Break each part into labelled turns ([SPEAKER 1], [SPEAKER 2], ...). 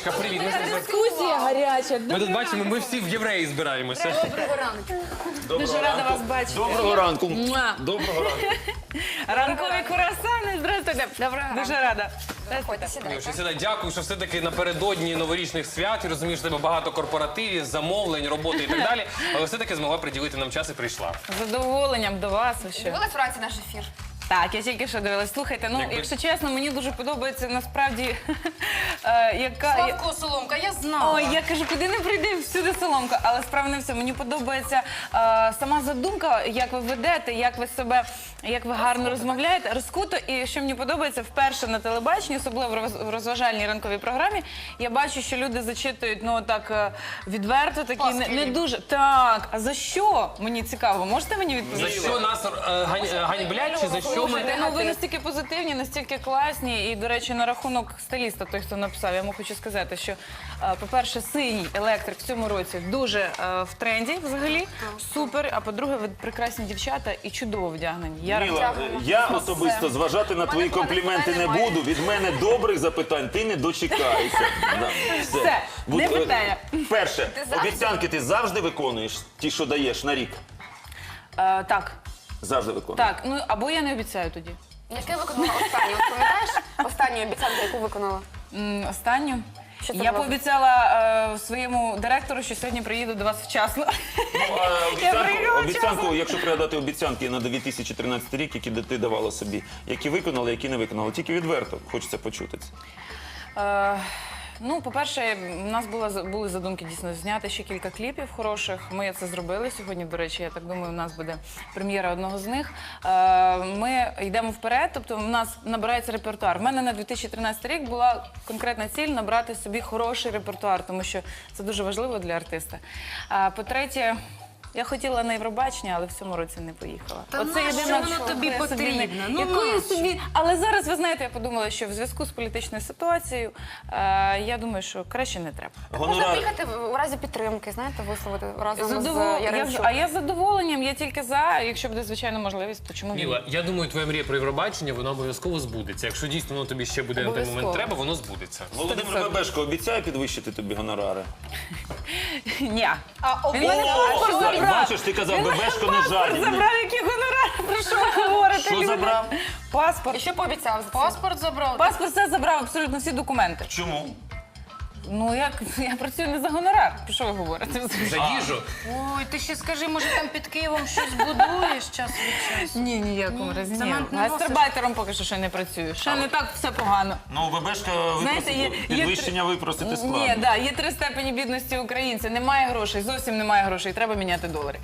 [SPEAKER 1] Мілочка, привіт.
[SPEAKER 2] Дискусія гаряча.
[SPEAKER 1] Ми тут бачимо, ми всі в євреї збираємося.
[SPEAKER 2] Доброго ранку. Дуже рада вас бачити.
[SPEAKER 3] Доброго ранку.
[SPEAKER 2] Муа.
[SPEAKER 3] Доброго ранку.
[SPEAKER 2] Ранкові курасани. Здравствуйте. Доброго Дуже рада.
[SPEAKER 4] Заходьте, сідайте.
[SPEAKER 1] Мілочка, сідай. Дякую, що все-таки напередодні новорічних свят, і розумієш, що тебе багато корпоративів, замовлень, роботи і так далі, але все-таки змогла приділити нам час і прийшла.
[SPEAKER 2] З задоволенням до вас. Ви що?
[SPEAKER 4] Дивилась вранці наш ефір?
[SPEAKER 2] Так, я тільки що дивилась. Слухайте, ну, якщо чесно, мені дуже подобається насправді, яка...
[SPEAKER 4] Славко Соломка, я знала.
[SPEAKER 2] Ой, я кажу, куди не прийди, всюди соломка. Але справа не все. Мені подобається сама задумка, як ви ведете, як ви себе, як ви гарно розмовляєте, розкуто. І що мені подобається, вперше на телебаченні, особливо в розважальній ранковій програмі, я бачу, що люди зачитують, ну, так відверто, такі не дуже. Так, а за що? Мені цікаво. Можете мені відповісти?
[SPEAKER 1] За що нас ганьблять, чи за що ми...
[SPEAKER 2] Слухайте, ну ви настільки позитивні, настільки класні. І, до речі, на рахунок стиліста, той, хто написав, я йому хочу сказати, що, по-перше, синій електрик в цьому році дуже в тренді взагалі. Супер. А по-друге, ви прекрасні дівчата і чудово вдягнені.
[SPEAKER 3] Міла, я особисто зважати на твої компліменти не буду. Від мене добрих запитань ти не дочекаєшся. Да,
[SPEAKER 2] Все, не питання.
[SPEAKER 3] Перше, обіцянки ти завжди виконуєш, ті, що даєш на рік?
[SPEAKER 2] Так,
[SPEAKER 3] Завжди виконуєш.
[SPEAKER 2] так. Ну, або я не обіцяю тоді.
[SPEAKER 4] Яке виконала останню? От пам'ятаєш останню обіцянку, яку виконала?
[SPEAKER 2] Останню.
[SPEAKER 4] Що це
[SPEAKER 2] Я
[SPEAKER 4] було?
[SPEAKER 2] пообіцяла своєму директору, що сьогодні приїду до вас вчасно.
[SPEAKER 3] Обіцянку, якщо пригадати обіцянки на 2013 рік, які ти давала собі, які виконала, які не виконала, тільки відверто хочеться почути це.
[SPEAKER 2] Ну, по-перше, у нас були задумки дійсно зняти ще кілька кліпів хороших. Ми це зробили сьогодні, до речі, я так думаю, у нас буде прем'єра одного з них. Ми йдемо вперед, тобто у нас набирається репертуар. У мене на 2013 рік була конкретна ціль набрати собі хороший репертуар, тому що це дуже важливо для артиста. По-третє, я хотіла на Євробачення, але в цьому році не поїхала.
[SPEAKER 5] Оце єдине, воно тобі потрібно? Ну,
[SPEAKER 2] Якою собі? Але зараз, ви знаєте, я подумала, що в зв'язку з політичною ситуацією, я думаю, що краще не треба.
[SPEAKER 4] Можна приїхати у разі підтримки, знаєте, висловити разом з Яремчук.
[SPEAKER 2] А я з задоволенням, я тільки за, якщо буде, звичайно, можливість, то чому ні?
[SPEAKER 1] Міла, я думаю, твоя мрія про Євробачення, вона обов'язково збудеться. Якщо дійсно воно тобі ще буде на той момент
[SPEAKER 2] Обов'язково.
[SPEAKER 1] треба, воно збудеться.
[SPEAKER 3] Володимир Бебешко обіцяє підвищити тобі гонорари?
[SPEAKER 2] Ні. Він
[SPEAKER 4] Він
[SPEAKER 2] мене паспорт забрав.
[SPEAKER 3] Бачиш, ти казав, Бебешко не жадібний.
[SPEAKER 2] Забрав, які гонорари, про що ви говорите?
[SPEAKER 3] Що
[SPEAKER 2] люди?
[SPEAKER 3] забрав?
[SPEAKER 2] Паспорт.
[SPEAKER 4] І що пообіцяв?
[SPEAKER 5] Паспорт забрав.
[SPEAKER 2] Паспорт все забрав, абсолютно всі документи.
[SPEAKER 3] Чому?
[SPEAKER 2] Ну, я працюю не за гонорар. Про що ви говорите?
[SPEAKER 1] За їжу.
[SPEAKER 5] Ой, ти ще скажи, може там під Києвом щось будуєш час від часу?
[SPEAKER 2] Ні, ніякому разі. Ні.
[SPEAKER 5] Цемент не носиш?
[SPEAKER 2] Гастарбайтером поки що ще не працюю. Ще не так все погано.
[SPEAKER 3] Ну, Бебешка
[SPEAKER 2] Знаєте,
[SPEAKER 3] підвищення випросити складно.
[SPEAKER 2] Ні, да, є 3 степені бідності українця. Немає грошей, зовсім немає грошей. Треба міняти долари.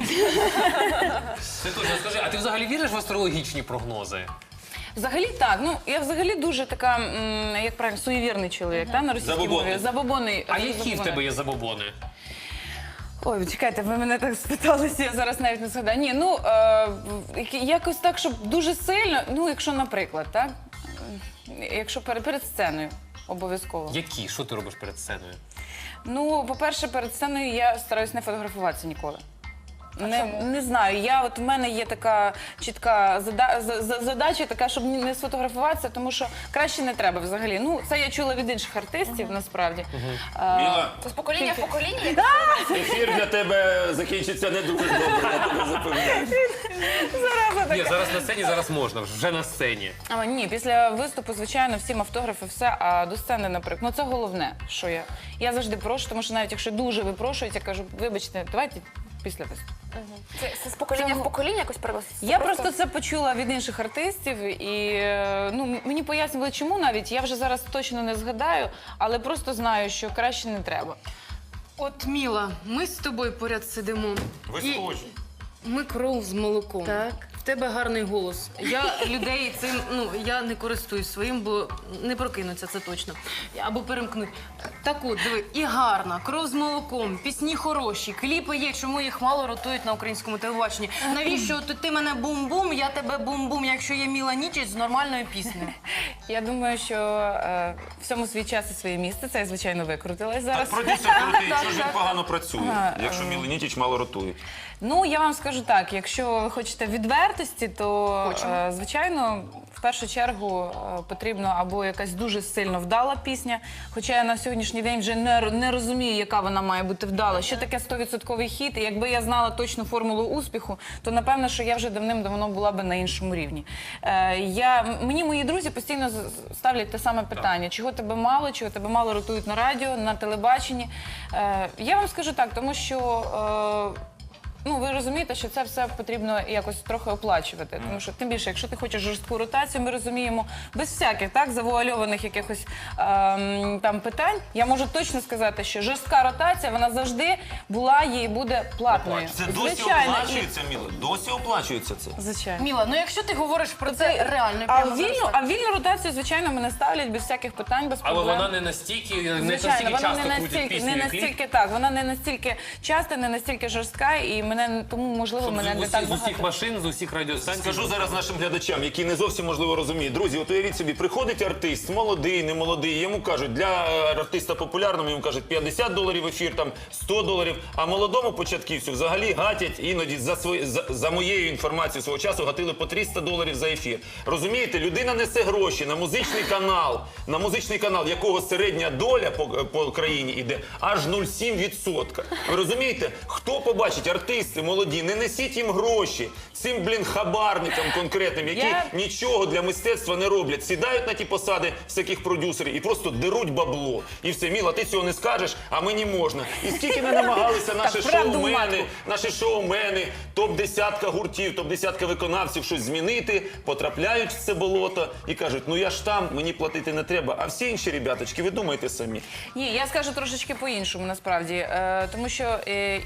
[SPEAKER 1] Ти точно скажи, а ти взагалі віриш в астрологічні прогнози?
[SPEAKER 2] Взагалі так. Ну, я взагалі дуже така, як правильно, суєвірний чоловік, на російській
[SPEAKER 3] Забобонний.
[SPEAKER 2] мові. Забобонний.
[SPEAKER 1] А які в тебе є забобони?
[SPEAKER 2] Ой, чекайте, ви мене так спиталися, я зараз навіть не згадаю. Ні, ну, якось так, щоб дуже сильно, ну, якщо, наприклад, так? Якщо перед сценою, обов'язково.
[SPEAKER 1] Які? Що ти робиш перед сценою?
[SPEAKER 2] Ну, по-перше, перед сценою я стараюсь не фотографуватися ніколи. Не знаю, в мене є така чітка задача, така, щоб не сфотографуватися, тому що краще не треба взагалі. Ну, це я чула від інших артистів, насправді.
[SPEAKER 3] Міла,
[SPEAKER 4] Це з покоління в покоління?
[SPEAKER 3] ефір для тебе закінчиться не дуже добре, я тебе запевняю.
[SPEAKER 1] Ні, зараз на сцені, зараз можна, вже на сцені.
[SPEAKER 2] Ні, після виступу, звичайно, всім автографи, все, а до сцени, наприклад. Ну, це головне, що я завжди прошу, тому що навіть якщо дуже випрошують, я кажу, вибачте, давайте після виступу.
[SPEAKER 4] Це з покоління в покоління якось переноситься?
[SPEAKER 2] Я просто це почула від інших артистів, і ну, мені пояснювали, чому навіть. Я вже зараз точно не згадаю, але просто знаю, що краще не треба.
[SPEAKER 5] От, Міла, ми з тобою поряд сидимо.
[SPEAKER 3] Ви
[SPEAKER 5] І
[SPEAKER 3] схожі.
[SPEAKER 5] Ми кров з молоком.
[SPEAKER 2] Так.
[SPEAKER 5] В тебе гарний голос. Я людей цим, я не користуюсь своїм, бо не прокинуться, це точно. Або перемкнуть. Так от, диви, і гарна, кров з молоком, пісні хороші, кліпи є, чому їх мало ротують на українському телебаченні. Навіщо ти мене бум-бум, я тебе бум-бум, якщо є Міла Нічич з нормальною піснею?
[SPEAKER 2] Я думаю, що всьому свій час і своє місце. Це я, звичайно, викрутилась
[SPEAKER 3] Так
[SPEAKER 2] зараз.
[SPEAKER 3] продюсер крутий, що ж він погано працює, якщо Міла Нічич мало ротує.
[SPEAKER 2] Ну, я вам скажу так, якщо ви хочете відвертості, то, звичайно, в першу чергу потрібно або якась дуже сильно вдала пісня, хоча я на сьогоднішній день вже не розумію, яка вона має бути вдала. Що таке 100% хіт? І якби я знала точну формулу успіху, то напевно, що я вже давним-давно була би на іншому рівні. Мені мої друзі постійно ставлять те саме питання: чого тебе мало ротують на радіо, на телебаченні. Я вам скажу так, тому що ви розумієте, що це все потрібно якось трохи оплачувати. Тому що, тим більше, якщо ти хочеш жорстку ротацію, ми розуміємо, без всяких завуальованих якихось там питань, я можу точно сказати, що жорстка ротація, вона завжди була, є і буде платною.
[SPEAKER 3] Це досі оплачується, Міла? Досі оплачується це?
[SPEAKER 2] Звичайно.
[SPEAKER 5] Міла, ну якщо ти говориш про це реально,
[SPEAKER 2] А
[SPEAKER 5] прямо зараз так.
[SPEAKER 2] вільну ротацію, звичайно, мене ставлять без всяких питань, без
[SPEAKER 1] Але
[SPEAKER 2] проблем.
[SPEAKER 1] вона не настільки, не
[SPEAKER 2] Звичайно,
[SPEAKER 1] настільки
[SPEAKER 2] вона
[SPEAKER 1] часто крутить пісню і кліп.
[SPEAKER 2] вона не настільки часто, не настільки жорстка, і тому, можливо, мене не так
[SPEAKER 1] З усіх
[SPEAKER 2] багато.
[SPEAKER 1] машин, з усіх радіостанцій.
[SPEAKER 3] Скажу зараз нашим глядачам, які не зовсім, можливо, розуміють. Друзі, от уявіть собі, приходить артист, молодий, не молодий, йому кажуть, для артиста популярного, йому кажуть, $50 ефір, там, $100, а молодому початківцю взагалі гатять іноді, за моєю інформацією свого часу, гатили по $300 за ефір. Розумієте, людина несе гроші на музичний канал, якого середня доля по країні йде аж 0,7%. Ви розумієте, хто побачить, артисти молоді, не несіть їм гроші цим, хабарникам конкретним, які нічого для мистецтва не роблять. Сідають на ті посади всяких продюсерів і просто деруть бабло. І все, Міла, ти цього не скажеш, а мені можна. І скільки не намагалися наші шоумени, топ-10 гуртів, топ-10 виконавців щось змінити, потрапляють в це болото і кажуть, ну я ж там, мені платити не треба. А всі інші ребяточки, ви думаєте самі.
[SPEAKER 2] Ні, я скажу трошечки по-іншому, насправді. Тому що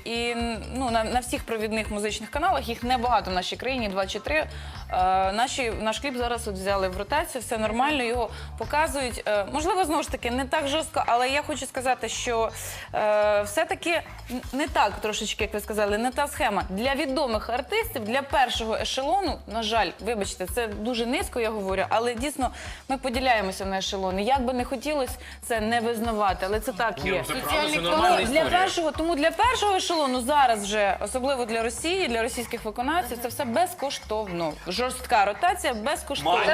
[SPEAKER 2] на всіх провідних музичних каналах, їх небагато в нашій країні, 2 чи 3, наш кліп зараз взяли в ротацію, все нормально, його показують. Можливо, знову ж таки, не так жорстко, але я хочу сказати, що все-таки не так трошечки, як ви сказали, не та схема. Для відомих артистів, для першого ешелону, на жаль, вибачте, це дуже низько, я говорю, але дійсно ми поділяємося на ешелони. Як би не хотілося це не визнавати, але це так є.
[SPEAKER 1] Це правда, це нормальна історія.
[SPEAKER 2] Тому для першого ешелону зараз вже, особливо для Росії, для російських виконавців, це все безкоштовно. Жорстка ротація безкоштовна.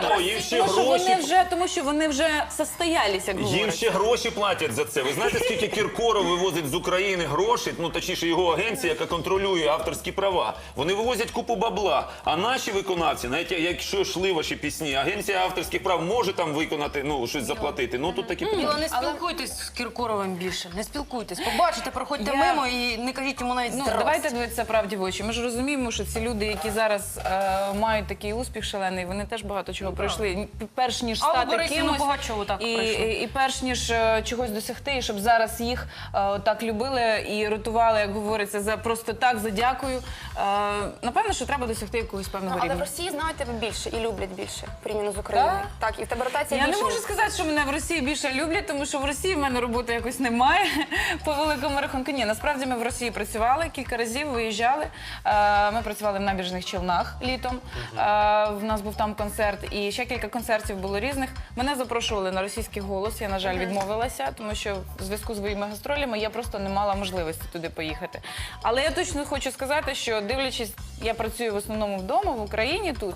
[SPEAKER 2] Тому що вони вже состоялися, як говорять.
[SPEAKER 3] Їм ще гроші платять за це. Ви знаєте, скільки Кіркоров вивозить з України грошей, точніше його агенція, яка контролює авторські права. Вони вивозять купу бабла. А наші виконавці, навіть якщо йшли ваші пісні, агенція авторських прав може там виконати, щось заплатити. Тут такі питання.
[SPEAKER 5] Міла, не спілкуйтесь з Кіркоровим більше, не спілкуйтесь. Побачите, проходьте мимо і не кажіть йому навіть здрасте.
[SPEAKER 2] Давайте дивитися правді в очі. Ми ж розуміємо, що ці люди, які зараз мають такий успіх шалений, вони теж багато чого пройшли. Перш ніж стати кимось, і перш ніж чогось досягти, і щоб зараз їх так любили і ротували, як говориться, за просто так, за дякую. Напевно, що треба досягти якогось певного рівня.
[SPEAKER 4] Але в Росії знають тебе більше і люблять більше, порівняно з Україною. Так, і в тебе ротація
[SPEAKER 2] Я
[SPEAKER 4] більше.
[SPEAKER 2] не можу сказати, що мене в Росії більше люблять, тому що в Росії в мене роботи якось немає, по великому рахунку. Ні, насправді ми в Росії працювали, кілька разів виїжджали. Ми працювали в Набережних Челнах літом. В нас був там концерт, і ще кілька концертів було різних. Мене запрошували на російський голос, я, на жаль, відмовилася, тому що в зв'язку з своїми гастролями я просто не мала можливості туди поїхати. Але я точно хочу сказати, що дивлячись, я працюю в основному вдома, в Україні тут,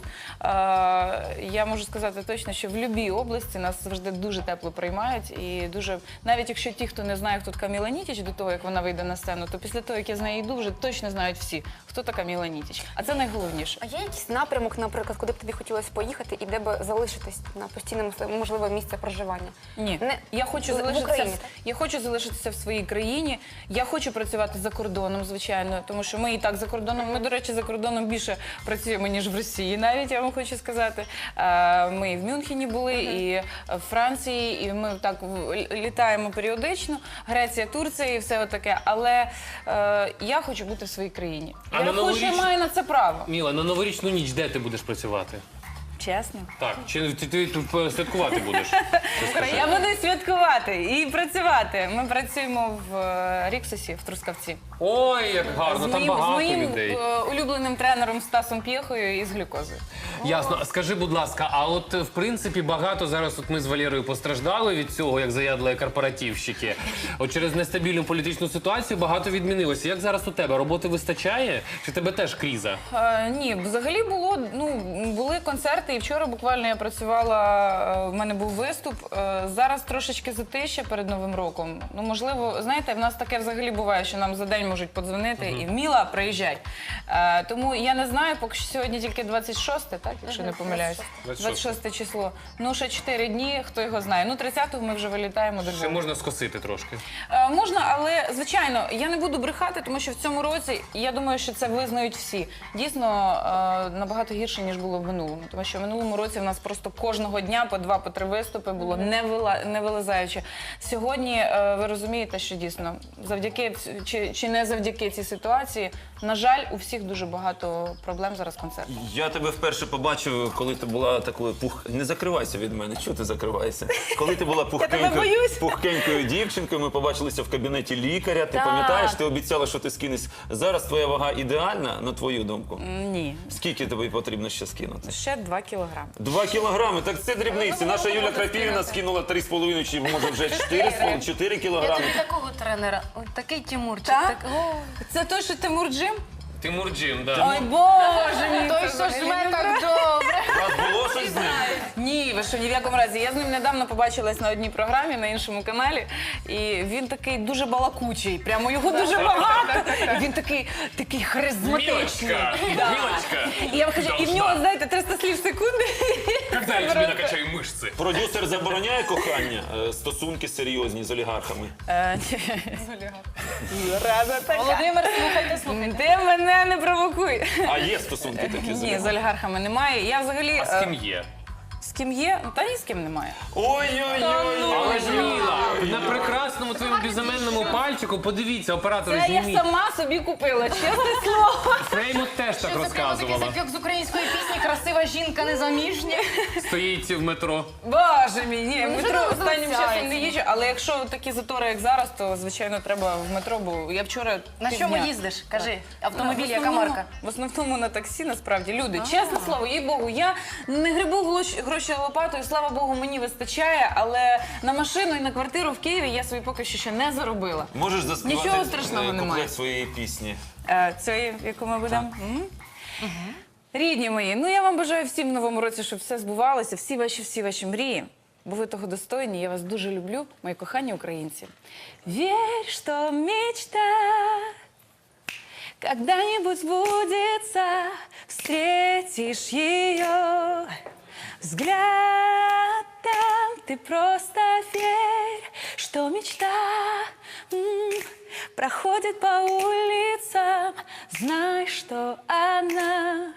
[SPEAKER 2] я можу сказати точно, що в будь-якій області нас завжди дуже тепло приймають. І дуже, навіть якщо ті, хто не знає, хто така Міла Нітіч до того, як вона вийде на сцену, то після того, як я з нею йду, вже точно знають всі, хто така Міла Нітіч. А це найголовніше.
[SPEAKER 4] А є якийсь напрямок, наприклад, куди б тобі хотілося поїхати і де б залишитись на постійному, можливо, місце проживання?
[SPEAKER 2] Ні. Я хочу залишитися в своїй країні. Я хочу працювати за кордоном, звичайно, тому що ми і так за кордоном. Ми, до речі, за кордоном більше працюємо, ніж в Росії, навіть, я вам хочу сказати. Ми і в Мюнхені були, і в Франції, і ми так літаємо періодично. Греція, Турція і все таке. Але я хочу бути в своїй країні. Я рахую, що я маю на це право.
[SPEAKER 1] Міла, на новорічну ніч де ти будеш працювати?
[SPEAKER 2] Чесно.
[SPEAKER 1] Так, чи ти тут святкувати будеш?
[SPEAKER 2] Я буду святкувати і працювати. Ми працюємо в Ріксосі, в Трускавці.
[SPEAKER 1] Ой, як гарно, там багато людей.
[SPEAKER 2] З моїм улюбленим тренером Стасом П'єхою і з глюкозою.
[SPEAKER 1] Ясно. Скажи, будь ласка, а от в принципі багато зараз ми з Валерою постраждали від цього, як заядлої корпоративщики. От через нестабільну політичну ситуацію багато відмінилося. Як зараз у тебе? Роботи вистачає? Чи тебе теж криза?
[SPEAKER 2] Ні, взагалі були концерти, і вчора буквально я працювала, в мене був виступ. Зараз трошечки затища перед Новим роком. Ну, можливо, знаєте, в нас таке взагалі буває, що нам за день можуть подзвонити і «Міла, приїжджай». Тому я не знаю, поки що сьогодні тільки 26, так, якщо не помиляюсь. 26 число. Ну, ще 4 дні, хто його знає. Ну, 30-го ми вже вилітаємо до
[SPEAKER 1] Ще
[SPEAKER 2] Львова.
[SPEAKER 1] можна скосити трошки.
[SPEAKER 2] Можна, але, звичайно, я не буду брехати, тому що в цьому році, я думаю, що це визнають всі. Дійсно, набагато гірше, ніж було в минулому. Тому що в минулому році в нас просто кожного дня по 2-3 виступи було не вилазаючи. Сьогодні ви розумієте, що дійсно, завдяки чи не завдяки цій ситуації, на жаль, у всіх дуже багато проблем зараз в концертах.
[SPEAKER 3] Я тебе вперше побачив, коли ти була такою Не закривайся від мене, чого ти закриваєшся? Коли ти була пухкенькою дівчинкою, ми побачилися в кабінеті лікаря. Ти
[SPEAKER 2] Так.
[SPEAKER 3] пам'ятаєш, ти обіцяла, що ти скинеш. Зараз твоя вага ідеальна, на твою думку?
[SPEAKER 2] Ні.
[SPEAKER 3] Скільки тобі потрібно ще скинути?
[SPEAKER 2] Ще 2 кілограми.
[SPEAKER 3] 2 кілограми, так це дрібниці. Наша Юля Крапівна скинула 3,5, чи може вже 4
[SPEAKER 5] Я
[SPEAKER 3] кілограми.
[SPEAKER 5] тобі такого тренера, от такий Тимурчик.
[SPEAKER 2] Так?
[SPEAKER 5] О,
[SPEAKER 2] Це той, що Тимур Джим?
[SPEAKER 1] Тимур Джим, да.
[SPEAKER 2] Ой, Боже мій!
[SPEAKER 5] той, що жме так добре.
[SPEAKER 3] У вас було щось з ним?
[SPEAKER 2] Ні, ви що, ні в якому разі. Я з ним недавно побачилась на одній програмі, на іншому каналі, і він такий дуже балакучий, прямо його дуже багато. І він такий харизматичний.
[SPEAKER 1] Мілочка,
[SPEAKER 2] Да.
[SPEAKER 1] Мілочка.
[SPEAKER 2] І я вам кажу, і в нього, знаєте, 300 слів в секунду.
[SPEAKER 1] Когда я тебе накачаю мышцы?
[SPEAKER 3] Продюсер забороняє кохання, стосунки серйозні з олігархами.
[SPEAKER 2] Рада така.
[SPEAKER 5] Володимир, слухайте.
[SPEAKER 2] Ти мене не провокуй.
[SPEAKER 3] А є стосунки такі з
[SPEAKER 2] Ні, з
[SPEAKER 3] олігархами?
[SPEAKER 2] олігархами немає. Я взагалі...
[SPEAKER 1] А з ким є?
[SPEAKER 2] З ким є? Та ні з ким немає.
[SPEAKER 3] Ой-ой-ой!
[SPEAKER 1] Але ж Міла, на прекрасному твоєму безіменному пальчику, подивіться, оператори
[SPEAKER 2] Це я
[SPEAKER 1] зніміть.
[SPEAKER 2] сама собі купила, чесне слово.
[SPEAKER 1] Фреймут теж так
[SPEAKER 5] Це прямо такий
[SPEAKER 1] розказувала.
[SPEAKER 5] запік з української пісні «Красива жінка незаміжня».
[SPEAKER 1] Стоїть в метро.
[SPEAKER 2] Боже мій, ні, в
[SPEAKER 5] Ну,
[SPEAKER 2] метро
[SPEAKER 5] вже
[SPEAKER 2] останнім
[SPEAKER 5] залишається.
[SPEAKER 2] часом не їжджу, але якщо такі затори, як зараз, то, звичайно, треба в метро, бо я вчора
[SPEAKER 5] На
[SPEAKER 2] півдня-
[SPEAKER 5] чому їздиш? Кажи, автомобіль,
[SPEAKER 2] В
[SPEAKER 5] яка
[SPEAKER 2] основному-
[SPEAKER 5] марка?
[SPEAKER 2] В основному на таксі, насправді, люди. Чесне слово, їй Богу, я не грибу гроші лопатою, слава Богу, мені вистачає, але на машину і на квартиру в Києві я собі поки що ще не заробила.
[SPEAKER 3] Можеш заспівати
[SPEAKER 2] Нічого страшного немає.
[SPEAKER 3] куплет своєї пісні?
[SPEAKER 2] Цієї, яку ми будемо? Рідні мої, ну я вам бажаю всім в новому році, щоб все збувалося, всі ваші мрії. Бо ви того достойні, я вас дуже люблю, мої кохані українці. Вірь, що мечта когда-нибудь сбудется, встретишь ее взглядом. Ты просто верь, что мечта проходит по улицам. Знай, что она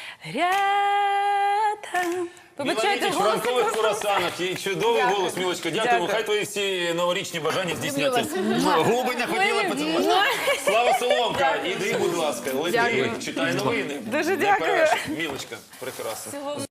[SPEAKER 2] рядом. Вибачайте,
[SPEAKER 3] Міла в
[SPEAKER 2] голос
[SPEAKER 3] ранкових курасанах. І чудовий голос, Мілочка. Дякуємо.
[SPEAKER 2] Дякую.
[SPEAKER 3] Хай твої всі новорічні бажання здійсняться. Губи не хотіла поцілувати. Слава Соломка, іди, будь ласка. Лети, читай новини.
[SPEAKER 2] Дуже
[SPEAKER 3] Не
[SPEAKER 2] дякую.
[SPEAKER 3] переш. Мілочка, прекрасно.